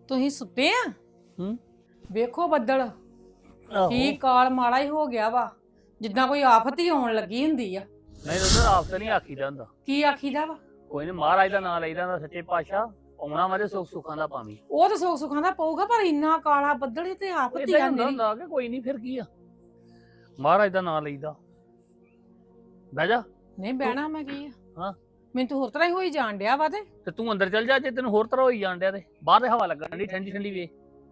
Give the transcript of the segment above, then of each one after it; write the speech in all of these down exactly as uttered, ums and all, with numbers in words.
ਤੁਸੀਂ ਸੁੱਤੇ ਆ? ਹੂੰ ਵੇਖੋ ਬੱਦਲ ਆਹੋ ਕੀ ਕਾਲ ਮਾੜਾ ਹੀ ਹੋ ਗਿਆ ਵਾ, ਜਿੱਦਾਂ ਕੋਈ ਆਫਤ ਹੀ ਆਉਣ ਲੱਗੀ ਹੁੰਦੀ ਆ। ਨਹੀਂ ਉਧਰ ਆਪ ਤਾਂ ਨਹੀਂ ਆਖੀਦਾ ਹੁੰਦਾ। ਕੀ ਆਖੀਦਾ ਵਾ? ਕੋਈ ਨਹੀਂ ਮਹਾਰਾਜ ਦਾ ਨਾਮ ਲਈਦਾ ਹੁੰਦਾ, ਸੱਚੇ ਪਾਤਸ਼ਾਹ ਆਉਣਾ ਵਾਲੇ ਸੁੱਖ ਸੁੱਖਾਂ ਦਾ ਪਾਵੀਂ। ਉਹ ਤਾਂ ਸੁੱਖ ਸੁੱਖਾਂ ਦਾ ਪਊਗਾ, ਪਰ ਇੰਨਾ ਕਾਲਾ ਬੱਦਲ ਹੀ ਤੇ ਆਫਤ ਹੀ ਇਦਾਂ ਆ ਹੁੰਦਾ ਮੇਰੀ। ਹੁੰਦਾ ਕਿ ਕੋਈ ਨਹੀਂ, ਫਿਰ ਕੀ ਆ, ਮਹਾਰਾਜ ਦਾ ਨਾਮ ਲਈਦਾ। ਬਹਿ ਜਾ। ਨਹੀਂ ਬਹਿਣਾ ਮੈਂ ਕੀ ਆ, ਹਾਂ ਮੈਨੂੰ ਤਾਂ ਹੋਰ ਤਰ੍ਹਾਂ ਹੀ ਹੋਈ ਜਾਣ ਡਿਆ ਵਾ। ਤੇ ਤੇ ਤੂੰ ਅੰਦਰ ਚੱਲ ਜਾ, ਜੇ ਤੈਨੂੰ ਹੋਰ ਤਰ੍ਹਾਂ ਹੋਈ ਜਾਣ ਡਿਆ ਤੇ ਬਾਹਰ ਦੇ ਹਵਾ ਲੱਗਣ ਦੀ ਠੰਡੀ ਠੰਡੀ ਵੇ।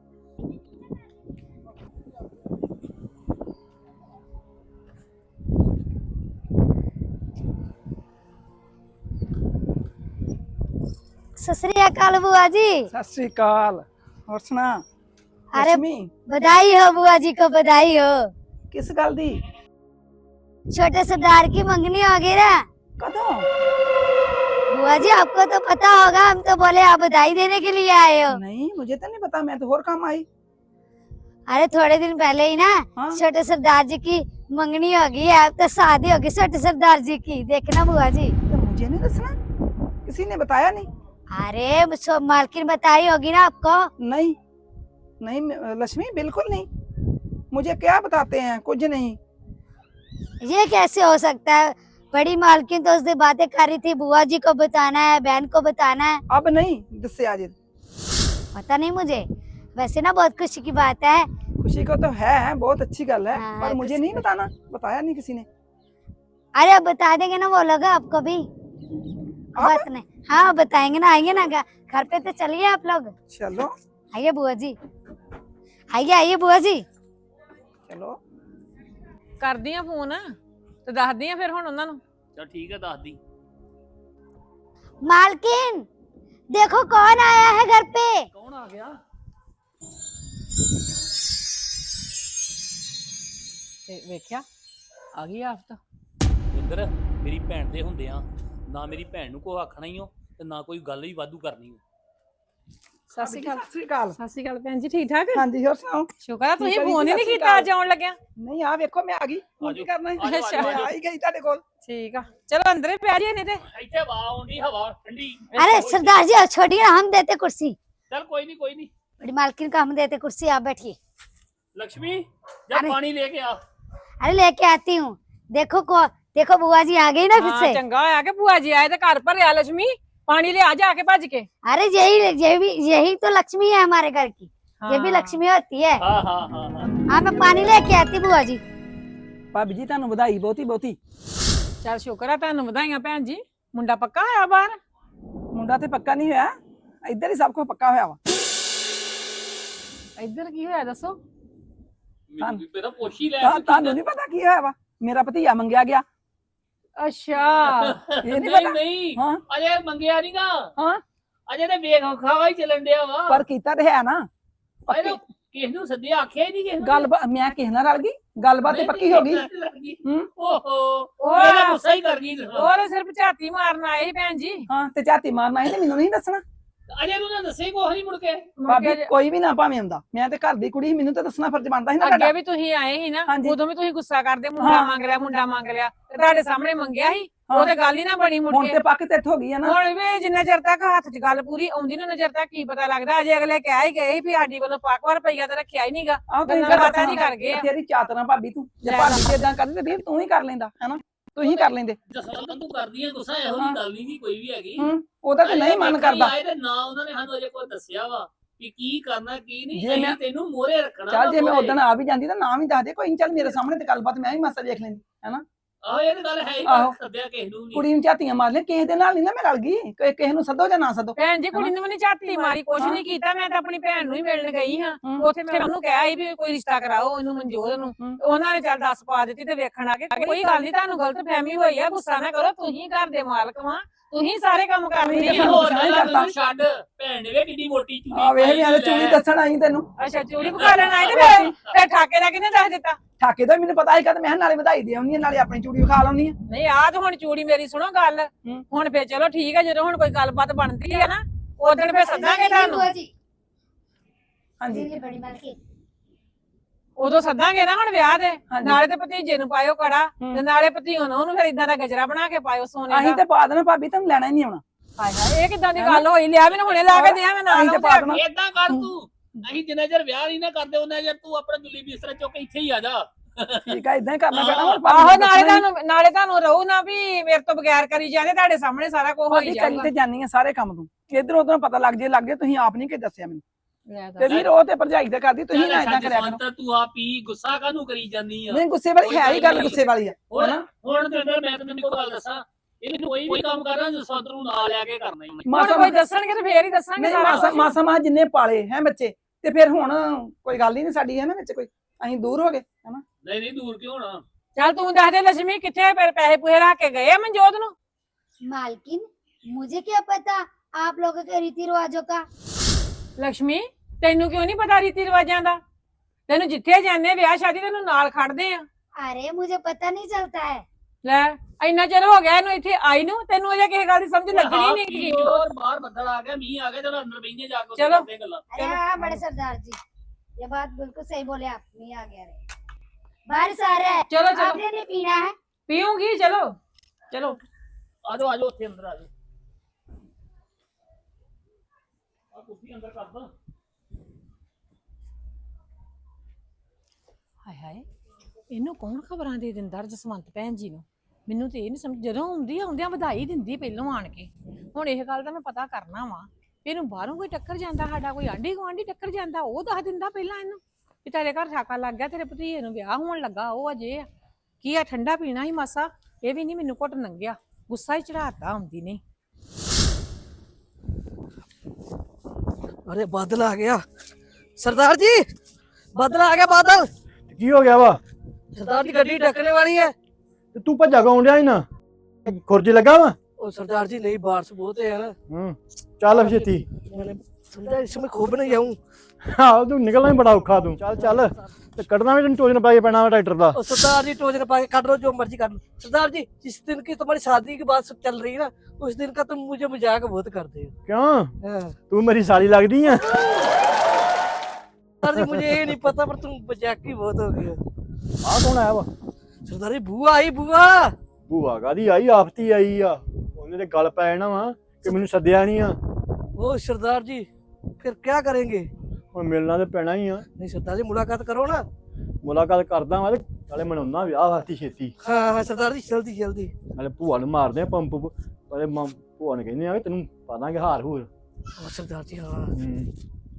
सत श्री अकाल बुआ जी। सत श्री अकाल। और सुना? अरे लक्ष्मी बधाई हो बुआ जी को, बधाई हो। किस गल दी? छोटे सरदार की मंगनी हो गई ना। कदों? बुआ जी आपको तो पता होगा, हम तो बोले आप बधाई देने के लिए आए हो। नहीं मुझे तो नहीं पता, मैं तो और काम आई। अरे थोड़े दिन पहले ही ना हाँ? छोटे सरदार जी की मंगनी हो गई है, अब तो शादी होगी छोटे सरदार जी की, देखना बुआ जी। तो मुझे नहीं दसना, किसी ने बताया नहीं? अरे सो मालकिन बताई होगी ना आपको। नहीं नहीं म- लक्ष्मी बिल्कुल नहीं, मुझे क्या बताते हैं, कुछ नहीं। ये कैसे हो सकता है? बड़ी मालकिन तो उस दिन बातें कर रही थी, बुआ जी को बताना है, बहन को बताना है। अब नहीं दससे आज। पता नहीं मुझे, वैसे ना बहुत खुशी की बात है। खुशी को तो है, बहुत अच्छी गल है, हाँ, पर मुझे खुशी नहीं को- बताना, बताया नहीं किसी ने। अरे अब बता देंगे ना वो लोग आपको भी। आप? बात नहीं, हाँ बताएंगे ना, आइए ना घ- घर पे तो चलिए आप लोग। चलो आइए बुआ जी, आइए आइए बुआ जी। चलो। ਕਰਦੀ ਆ ਫੋਨ ਤੇ ਦੱਸਦੀ ਆ ਫਿਰ ਹੁਣ ਉਹਨਾਂ ਨੂੰ। ਚਲ ਠੀਕ ਹੈ, ਦੱਸ ਦੀ। मालकिन देखो कौन आया है घर पे। ਕੌਣ ਆ ਗਿਆ? ਤੇ ਵੇਖਿਆ ਆ ਗਈ ਆਫਤ। ਇੰਦਰ ਮੇਰੀ ਭੈਣ ਦੇ ਹੁੰਦੇ ਆ ਨਾ, ਮੇਰੀ ਭੈਣ ਨੂੰ ਕੋਈ ਆਖਣਾ ਹੀ ਹੋ ਤੇ ਨਾ ਕੋਈ ਗੱਲ ਹੀ ਵਾਧੂ ਕਰਨੀ ਹੋ। ਸਤਿ ਸ਼੍ਰੀ ਅਕਾਲ। सत श्री अकाल। ਸਤਿ ਸ਼੍ਰੀ ਅਕਾਲ ਭੈਣ ਜੀ, ਠੀਕ ਠਾਕ? हाँ जी और सुनाओ? ਸ਼ੁਕਰ ਆ ਤੁਸੀਂ ਠੀਕ ਆ ਜੀ, ਫੋਨ ਹੀ ਨਹੀਂ ਸਤਿ ਸ਼੍ਰੀ ਕੀਤਾ ਅੱਜ ਆਉਣ ਲੱਗਿਆ। नहीं आ देखो मैं आ गई, आ की जाओ, करना है? आ जाओ, आ जाओ, आ मैं जाओ। आ ही गई तेरे कोल। ਠੀਕ ਆ, ਚਲੋ ਅੰਦਰ ਹੀ ਪੈ ਜਾਈਏ ਨਹੀਂ ਤੇ। ਇੱਥੇ ਹਵਾ ਆਉਂਦੀ, ਹਵਾ ਠੰਡੀ। अरे सरदार जी अब छोड़िए ना, हम देते कुर्सी। ਚਲ ਕੋਈ ਨਹੀਂ ਕੋਈ ਨਹੀਂ। बड़ी मालकिन को हम देते कुर्सी, आप बैठिए। ਲక్ష్ਮੀ ਜਾ अरे- ਪਾਣੀ ਲੈ ਕੇ ਆ। अरे लेके आती हूँ। देखो को देखो बुआ जी आ गई ना फिर ਹਾਂ से। ਚੰਗਾ ਹੋਇਆ ਕਿ ਭੂਆ ਜੀ ਆਏ ਤੇ ਘਰ ਭਰਿਆ। ਲక్ష్ਮੀ ਪਾਣੀ ਲਿਆ ਜਾ ਕੇ ਭੱਜ ਕੇ। अरे यही यही भी यही तो लक्ष्मी है हमारे घर की, ये भी हाँ। लक्ष्मी होती है। ਹਾਂ ਹਾਂ ਹਾਂ ਹਾਂ हाँ मैं पानी लेके आती बुआ जी। भाभी जी ਤੁਹਾਨੂੰ ਵਧਾਈ ਬਹੁਤੀ ਬਹੁਤੀ। ਚੱਲ ਸ਼ੁਕਰ ਆ, ਤੁਹਾਨੂੰ ਵਧਾਈਆਂ ਭੈਣ ਜੀ। ਮੁੰਡਾ ਪੱਕਾ ਹੋਇਆ ਬਾਹਰ? ਮੁੰਡਾ ਤੇ ਪੱਕਾ ਨਹੀਂ ਹੋਇਆ, ਇੱਧਰ ਹੀ ਸਭ ਕੁਝ ਪੱਕਾ ਹੋਇਆ ਵਾ। ਇੱਧਰ ਕੀ ਹੋਇਆ ਦੱਸੋ? ਮੈਨੂੰ ਵੀ ਪਹਿਲਾਂ ਪੁੱਛ ਹੀ ਲੈ। ਤਾਂ ਤੁਹਾਨੂੰ ਨਹੀਂ ਪਤਾ ਕੀ ਹੋਇਆ ਵਾ? ਮੇਰਾ ਭਤੀਆ ਮੰਗਿਆ ਗਿਆ। ਅੱਛਾ ਇਹ ਨਹੀਂ ਨਹੀਂ ਪਤਾ? ਨਹੀਂ ਹਾਂ ਅਜੇ ਮੰਗਿਆ ਨਹੀਂਗਾ, ਹਾਂ ਅਜੇ ਤੇ ਵੇਖ ਖਾਵਾ ਹੀ ਚੱਲਣ ਡਿਆ ਵਾ। ਪਰ ਕੀਤਾ ਤੇ ਹੈ ਨਾ। ਅਜੇ ਤਾਂ ਕਿਸ ਨੂੰ ਸੱਦਿਆ, ਆਖਿਆ ਹੀ ਨਹੀਂ ਕਿਸ ਨੂੰ। ਗੱਲ ਮੈਂ ਕਿਸੇ ਨਾਲ ਰਲ ਗਈ, ਗੱਲਬਾਤ ਤੇ ਪੱਕੀ ਹੋ ਗਈ। ਹੂੰ ਓਹੋ ਉਹ ਇਹਦਾ ਗੁੱਸਾ ਹੀ ਕਰ ਗਈ। ਹੋਰ ਸਿਰਫ ਝਾਤੀ ਮਾਰਨ ਆਏ ਸੀ ਭੈਣ ਜੀ। ਹਾਂ ਤੇ ਝਾਤੀ ਮਾਰਨਾ ਸੀ ਤੇ ਮੈਨੂੰ ਨਹੀਂ ਦੱਸਣਾ। ਅਜੇ ਨੂੰ ਨਾ ਦੱਸੇ ਕੁਛ ਨਹੀਂ ਮੁੜ ਕੇ। ਮੁੜ ਭਾਬੀ ਕੇ ਕੋਈ ਵੀ ਨਾ ਭਾਵੇਂ ਹੁੰਦਾ, ਮੈਂ ਤੇ ਘਰ ਦੀ ਕੁੜੀ ਸੀ, ਮੈਨੂੰ ਤਾਂ ਦੱਸਣਾ ਫਰਜ਼ ਬਣਦਾ ਸੀ ਨਾ ਅੱਗੇ ਤੁਹਾਡਾ। ਵੀ ਤੁਸੀਂ ਆਏ ਸੀ ਨਾ, ਹਾਂਜੀ। ਉਦੋਂ ਵੀ ਤੁਸੀਂ ਗੁੱਸਾ ਕਰਦੇ, ਮੁੰਡਾ ਹਾਂ। ਮੰਗ ਲਿਆ ਮੁੰਡਾ ਮੰਗ ਲਿਆ, ਤੇ ਤੁਹਾਡੇ ਸਾਹਮਣੇ ਮੰਗਿਆ ਸੀ। ਹਾਂ। ਉਹ ਤੇ ਗੱਲ ਹੀ ਨਾ ਬਣੀ ਮੁੜ ਹੁਣ ਕੇ। ਤੇ ਪੱਕ ਤੇ ਇੱਥੋਂ ਹੋ ਗਈ ਆ ਨਾ। ਹੁਣ ਵੀ ਜਿੰਨਾ ਚਿਰ ਤੱਕ ਹੱਥ 'ਚ ਗੱਲ ਪੂਰੀ ਆਉਂਦੀ ਨਾ, ਨਜ਼ਰ ਤੱਕ ਕੀ ਪਤਾ ਲੱਗਦਾ। ਅਜੇ ਅਗਲੇ ਕਹਿ ਹੀ ਗਏ ਸੀ ਵੀ ਸਾਡੀ ਵੱਲੋਂ ਪੱਕ ਵਾਰ ਪਈਆ ਤੇ ਰੱਖਿਆ ਹੀ ਨਹੀਂਗਾ। ਆਹ ਤੁਸੀਂ ਗੱਲਾਂ ਫਿਰ ਬਾਤਾਂ ਨਹੀਂ ਕਰ ਗਏ ਆ। ਤੇਰੀ ਚਾਤਰਾ ਭਾਬੀ ਤੂੰ, ਜੇ ਲੈ ਭਾਬੀ ਇਦਾਂ ਕਰਦੀ ਤੇ ਵੀਰ ਤੂੰ ਹੀ ਕਰ ਲੈਂਦਾ ਹੈਨਾ, ਤੂੰ ਹੀ ਕਰ ਲੈਂਦੇ। ਜਸਵੰਤ ਤੂੰ ਕਰਦੀ ਹੈ ਗੁੱਸਾ, ਇਹੋ ਜਿਹੀ ਗੱਲ ਨਹੀਂ ਕੋਈ ਵੀ ਹੈਗੀ। ਹੂੰ ਉਹਦਾ ਤੇ ਨਹੀਂ ਮਨ ਅਜੇ ਕਰਦਾ। ਆਏ ਤੇ ਨਾ ਉਹਨਾਂ ਨੇ ਸਾਨੂੰ ਅਜੇ ਕੋਈ ਦੱਸਿਆ ਵਾ ਕਿ ਕੀ ਕਰਨਾ ਕੀ ਨਹੀਂ। ਜੇ ਮੈਂ- ਅਸੀਂ ਤੈਨੂੰ ਮੋਹਰੇ ਰੱਖਣਾ ਚੱਲ ਵਾ ਜੇ ਮੈਂ ਮੂਹਰੇ। ਉਦਣ ਆ ਵੀ ਜਾਂਦੀ ਤਾਂ ਨਾ ਵੀ ਦੱਸ ਦੇ, ਕੋਈ ਨੀ, ਚੱਲ ਮੇਰੇ ਸਾਹਮਣੇ ਤੇ ਗੱਲਬਾਤ ਮੈਂ ਵੀ ਮਾਸਾ ਵੇਖ ਲੈਂਦੀ ਹੈਨਾ। ਆਹੋ ਇਹ ਤਾਂ ਗੱਲ ਹੈ ਹੀ, ਆਹੋ। ਪਰ ਸੱਦਿਆ ਕਿਸੇ ਨੂੰ ਨਹੀਂ। ਕੁੜੀ ਨੂੰ ਝਾਤੀਆਂ ਮਾਰ ਲਿਆ, ਕਿਸੇ ਦੇ ਨਾਲ ਨਹੀਂ ਨਾ ਮੈਂ ਰਲ ਗਈ। ਕਿ- ਕਿਸੇ ਨੂੰ ਸੱਦੋ ਜਾਂ ਨਾ ਸੱਦੋ। ਭੈਣ ਜੀ ਕੁੜੀ ਨੂੰ ਵੀ ਨੀ ਝਾਤੀ ਮਾਰੀ, ਕੁਛ ਨਹੀਂ ਕੀਤਾ। ਮੈਂ ਤਾਂ ਆਪਣੀ ਭੈਣ ਨੂੰ ਹੀ ਮਿਲਣ ਗਈ ਹਾਂ। ਹੂੰ। ਉੱਥੇ ਮੈਂ ਉਹਨੂੰ ਕਿਹਾ ਸੀ ਵੀ ਕੋਈ ਰਿਸ਼ਤਾ ਕਰਾਓ ਇਹਨੂੰ, ਮਨਜੋਤ ਨੂੰ। ਹੂੰ। ਉਹਨਾਂ ਨੇ ਚੱਲ ਦੱਸ ਪਾ ਦਿੱਤੀ ਤੇ ਵੇਖਣ ਆ ਕੇ। ਕੋਈ ਗੱਲ ਨਹੀਂ, ਤੁਹਾਨੂੰ ਗਲਤ ਫਹਿਮੀ ਹੋਈ ਆ, ਗੁੱਸਾ ਨਾ ਕਰੋ। ਤੁਸੀਂ ਘਰ ਦੇ ਮਾਲਕ ਵਾਂ, ਤੁਸੀਂ ਸਾਰੇ ਕੰਮ ਕਰਨੇ ਨਹੀਂ ਆ। ਸਾਨੂੰ ਹੋਰ ਗੁੱਸਾ ਨਹੀਂ ਗੱਲਾਂ ਕਰਦਾ। ਤੈਨੂੰ ਛੱਡ, ਭੈਣ ਨੇ ਵੇ ਕਿੱਡੀ ਮੋਟੀ ਚੂੜੀ ਆ ਵੇਖ ਪਾਈ ਮੈਂ ਤੇ ਲੈ। ਚੂੜੀ ਦੱਸਣ ਆਈ ਤੈਨੂੰ। ਅੱਛਾ ਚੂੜੀ ਪਕਾ ਲੈਣ ਆਏ ਤੇ ਫਿਰ ਫਿਰ ਠਾਕੇ ਦਾ ਕਿਹਨੇ ਦੱਸ ਦਿੱਤਾ? ਠਾਕੇ ਦਾ ਮੈਨੂੰ ਪਤਾ ਹੀ ਕਦ ਮੈਂ ਕਿਹਾ ਨਾਲੇ ਵਧਾਈ ਦੇ ਆਉਣੀ ਆ, ਨਾਲੇ ਆਪਣੀ ਚੂੜੀ ਵਿਖਾ ਲਾਉਣੀ ਆ। ਨਹੀਂ ਆਹ ਤਾਂ ਹੁਣ ਚੂੜੀ ਮੇਰੀ ਸੁਣੋ ਗੱਲ। ਹੂੰ। ਹੁਣ ਫੇਰ ਚਲੋ ਠੀਕ ਆ, ਜਦੋਂ ਹੁਣ ਕੋਈ ਗੱਲਬਾਤ ਬਣਦੀ ਹੈ ਨਾ ਉਦੋਂ ਫੇਰ ਸੱਦਾਂਗੇ ਤੁਹਾਨੂੰ। ਹਾਂਜੀ बड़ी मालकिन ਉਦੋਂ ਸੱਦਾਂਗੇ ਨਾ ਹੁਣ ਵਿਆਹ ਦੇ। ਹਾਂਜੀ। ਨਾਲੇ ਤੇ ਭਤੀਜੇ ਨੂੰ ਪਾਇਓ ਕੜਾ ਹੂੰ। ਤੇ ਨਾਲੇ ਭਤੀਓ ਨੂੰ ਉਹਨੂੰ ਫਿਰ ਇਦਾਂ ਦਾ ਗਜਰਾ ਬਣਾ ਕੇ ਪਾਇਓ ਸੋਨੇ ਅਸੀਂ ਦਾ। ਤੇ ਪਾ ਦੇਣਾ ਭਾਬੀ, ਤੈਨੂੰ ਲੈਣਾ ਹੀ ਨਹੀਂ ਆਉਣਾ। ਹਾਏ ਹਾਏ ਇਹ ਕਿਦਾਂ ਦੀ ਗੱਲ ਹੋਈ? ਲਿਆ ਮੈਨੂੰ ਹੁਣੇ ਲਾ ਕੇ ਦਿਆ ਮੈਂ ਨਾਲ ਅਸੀਂ ਤੇ ਪਾ ਦੇਣਾ। ਏਦਾਂ ਕਰ ਤੂੰ, ਅਸੀਂ ਜਿੰਨਾ ਚਿਰ ਵਿਆਹ ਨਹੀਂ ਨਾ ਕਰਦੇ ਉਹਨਾਂ ਚਿਰ ਤੂੰ ਆਪਣਾ ਜੁੱਲੀ ਬਿਸਤਰਾ ਚੁੱਕ ਕੇ ਇੱਥੇ ਹੀ ਆ ਜਾ। ਠੀਕ ਆ, ਇਦਾਂ ਹੀ ਕਰਨਾ ਪੈਣਾ ਹੁਣ। ਆਹੋ ਨਾਲੇ ਤੁਹਾਨੂੰ ਨਾਲੇ ਤੁਹਾਨੂੰ ਰਹੂ ਨਾ ਵੀ ਮੇਰੇ ਤੋਂ ਬਗੈਰ ਕਰੀ ਜਾਂਦੇ, ਤੁਹਾਡੇ ਸਾਹਮਣੇ ਸਾਰਾ ਕੁਝ ਹੋਈ ਭਾਬੀ ਕਰੀ ਜਾਊਗਾ। ਤੇ ਜਾਨੀ ਆ ਸਾਰੇ ਕੰਮ ਤੂੰ, ਇਧਰ ਉਧਰ ਪਤਾ ਲੱਗ ਜੇ ਲੱਗ ਜੇ, ਤੁਸੀਂ ਆਪ ਨਹੀਂ ਕਿ ਦੱਸਿਆ ਮੈਨੂੰ। ਲੈ ਤੇ ਦੱਸ। ਵੀਰ ਉਹ ਤੇ ਭਰਜਾਈ ਤੇ ਕਰਦੀ, ਤੁਸੀਂ ਨਾ ਇਦਾਂ ਕਰਿਆ ਕਰੋ। ਜਸਵੰਤ ਤੂੰ ਆ ਪੀ, ਗੁੱਸਾ ਕਾਹਨੂੰ ਕਰੀ ਜਾਂਦੀ ਆ? ਨਹੀਂ ਗੁੱਸੇ ਵਾਲੀ ਹੈ ਹੀ ਗੱਲ, ਗੁੱਸੇ ਵਾਲੀ ਆ ਹੁਣ ਹਨਾ। ਹੁਣ ਤੇ ਅੰਦਰ ਮੈਂ ਤੈਨੂੰ ਇੱਕ ਗੱਲ ਦੱਸਾਂ, ਇਹਨੂੰ ਕੋਈ ਵੀ ਕੰਮ ਕਰਨਾ ਜਸਵੰਤ ਨੂੰ ਨਾਲ ਲੈ ਕੇ ਕਰਨਾ ਹੀ। ਹੁਣ ਮਾਸਾ ਕੋਈ ਦੱਸਣਗੇ ਤੇ ਫੇਰ ਹੀ ਦੱਸਾਂਗੇ ਨਹੀਂ ਸਾਰਾ ਮਾਸਾ ਕੁਛ। ਮਾਸਾ ਮਾ ਜਿੰਨੇ ਪਾਲੇ ਹੈ ਬੱਚੇ, ਤੇ ਫਿਰ ਹੁਣ ਕੋਈ ਗੱਲ ਹੀ ਨਹੀਂ ਸਾਡੀ ਹੈ ਨਾ ਵਿੱਚ, ਕੋਈ ਅਸੀਂ ਦੂਰ ਹੋ ਗਏ ਹਨਾ। ਨਹੀਂ ਨਹੀਂ ਦੂਰ ਕਿਉਂ ਹੋਣਾ? ਚੱਲ ਤੂੰ ਦੱਸ ਦੇ ਲక్ష్ਮੀ ਕਿੱਥੇ ਫਿਰ ਪੈਸੇ ਪੂਹੇ ਰੱਖ ਕੇ ਗਏ ਆ ਮਨਜੋਤ ਨੂੰ? मालकिन मुझे क्या पता आप लोगों के रीति रिवाजों का। ਲక్ష్ਮੀ ਤੈਨੂੰ ਕਿਉਂ ਨਹੀਂ ਪਤਾ ਰੀਤੀ ਰਿਵਾਜਾਂ ਦਾ? ਤੈਨੂੰ ਜਿੱਥੇ ਜਾਂਦੇ ਵਿਆਹ ਸ਼ਾਦੀ ਤੈਨੂੰ ਨਾਲ ਖੜਦੇ ਆ। अरे मुझे पता नहीं चलता है। ਲੈ ਇੰਨਾ ਚਿਰ ਹੋ ਗਿਆ ਇਹਨੂੰ ਇੱਥੇ ਆਈ ਨੂੰ, ਤੈਨੂੰ ਅਜੇ ਕਿਸੇ ਗੱਲ ਦੀ ਸਮਝ ਲੱਗਣੀ ਨਹੀਂ ਕੀ ਕਿ ਹੋਰ ਬਾਹਰ ਬੱਦਲ ਆ ਗਿਆ, ਮੀਂਹ ਆ ਗਿਆ, ਚਲੋ ਅੰਦਰ ਬੈਠੇ ਜਾ ਕੇ ਉੱਥੇ ਚਲੋ। ਕਰਦੇ ਹਾਂ ਗੱਲਾਂ। अरे हाँ बड़े सरदार जी, ये बात बिल्कुल सही बोले आप। नहीं आ गया रे, बारिश आ रहा है, चलो चलो आपने नहीं पीना है। ਪੀऊंगी। ਚਲੋ ਚਲੋ ਆ ਜਾਓ ਆ ਜਾਓ ਉੱਥੇ ਅੰਦਰ ਆ ਜਾਓ। ਆ ਕੁਰਸੀ ਅੰਦਰ ਕਰ ਦੋ। ਹਾਏ ਹਾਏ ਇਹਨੂੰ ਕੌਣ ਖਬਰਾਂ ਦੇ ਦਿੰਦਾ ਜਸਵੰਤ ਭੈਣ ਜੀ ਨੂੰ? ਮੈਨੂੰ ਤੇ ਇਹ ਨਹੀਂ ਸਮਝ, ਜਦੋਂ ਆਉਂਦੀ ਆਉਂਦਿਆਂ ਵਧਾਈ ਦਿੰਦੀ ਪਹਿਲੋਂ ਆਣ ਕੇ। ਹੁਣ ਇਹ ਗੱਲ ਦਾ ਮੈਂ ਪਤਾ ਕਰਨਾ ਵਾ, ਇਹਨੂੰ ਬਾਹਰੋਂ ਕੋਈ ਟੱਕਰ ਜਾਂਦਾ, ਸਾਡਾ ਕੋਈ ਆਂਢੀ ਗੁਆਂਢੀ ਟੱਕਰ ਜਾਂਦਾ, ਉਹ ਦੱਸ ਦਿੰਦਾ ਪਹਿਲਾਂ ਇਹਨੂੰ ਵੀ ਤੇਰੇ ਘਰ ਠਾਕਾ ਲੱਗ ਗਿਆ, ਤੇਰੇ ਭਤੀਜੇ ਨੂੰ ਵਿਆਹ ਹੋਣ ਲੱਗਾ, ਉਹ ਅਜੇ ਆ ਕੀ ਆ ਠੰਡਾ ਪੀਣਾ ਹੀ ਮਾਸਾ, ਇਹ ਵੀ ਨਹੀਂ ਮੈਨੂੰ ਘੁੱਟ ਲੰਘਿਆ, ਗੁੱਸਾ ਹੀ ਚੜਾਤਾ ਆਉਂਦੀ ਨਹੀਂ। अरे बादल आ गया सरदार जी, बादल आ गया बादल। ਕੀ ਹੋ ਗਿਆ ਵਾ? सरदार जी गड्डी टकरने वाली है। ਤੇ ਤੂੰ ਭੱਜਾ ਕੌਣ ਡਿਆ ਸੀ ਨਾ? ਖੁਰਜ ਲੱਗਾ ਵਾ? ओ सरदार जी नहीं, बारिश बहुत है यार। ਹੂੰ ਚੱਲ ਛੇਤੀ। मैंने समझा इसमें खूब नहीं जाऊं। ਆਹੋ ਤੂੰ ਨਿਕਲਣਾ ਹੀ ਬੜਾ ਔਖਾ ਤੂੰ। ਚੱਲ ਚੱਲ ਤੇ ਕੱਢਣਾ ਵੀ ਤੈਨੂੰ ਟੋਜਨ ਪਾ ਕੇ ਪੈਣਾ ਵਾ ਟਰੈਕਟਰ ਦਾ। और सरदार जी टोजन पा के काट लो, जो मर्जी काट लो। सरदार जी जिस दिन की तुम्हारी शादी की बात सब चल रही है ना, उस दिन का तुम मुझे मजाक बहुत करते हो। ਕਿਉਂ? हाँ। ਤੂੰ ਮੇਰੀ ਸਾਲੀ ਲੱਗਦੀ ਆ? सरदार जी मुझे ये नहीं पता, पर तुम मजाक ही बहुत हो गए हो। ਆਹ ਕੌਣ ਆਇਆ ਵਾ? सरदार जी बुआ आई, बुआ। ਭੂਆ ਕਾਦੀ ਆਈ? ਆਫਤੀ ਆਈ ਆ। ਉਹਨੇ ਤੇ ਗੱਲ ਪੈ ਜਾਣਾ ਵਾ ਕਿ ਮੈਨੂੰ ਸੱਦਿਆ ਨਹੀਂ ਆ। ओ सरदार जी फिर क्या करेंगे? ਹੁਣ ਮਿਲਣਾ ਤੇ ਪੈਣਾ ਹੀ ਆ। नहीं सरदार जी मुलाकात करो ना। ਮੁਲਾਕਾਤ ਕਰਦਾ ਵਾ ਤੇ ਨਾਲੇ ਮਨਾਉਣਾ ਵਿਆਹ ਵਾਸਤੇ ਛੇਤੀ। हाँ हाँ सरदार जी जल्दी जल्दी। ਨਾਲੇ ਭੂਆ ਨੂੰ ਮਾਰਦੇ ਆ ਪੰਪ। ਨਾਲੇ ਮਾਂ ਭੂਆ ਨੇ ਕਹਿੰਦੇ ਆ ਕਿ ਤੈਨੂੰ ਪਾ ਦਾਂਗੇ ਹਾਰ ਹੂਰ। ओ सरदार जी हाँ। ਹੂੰ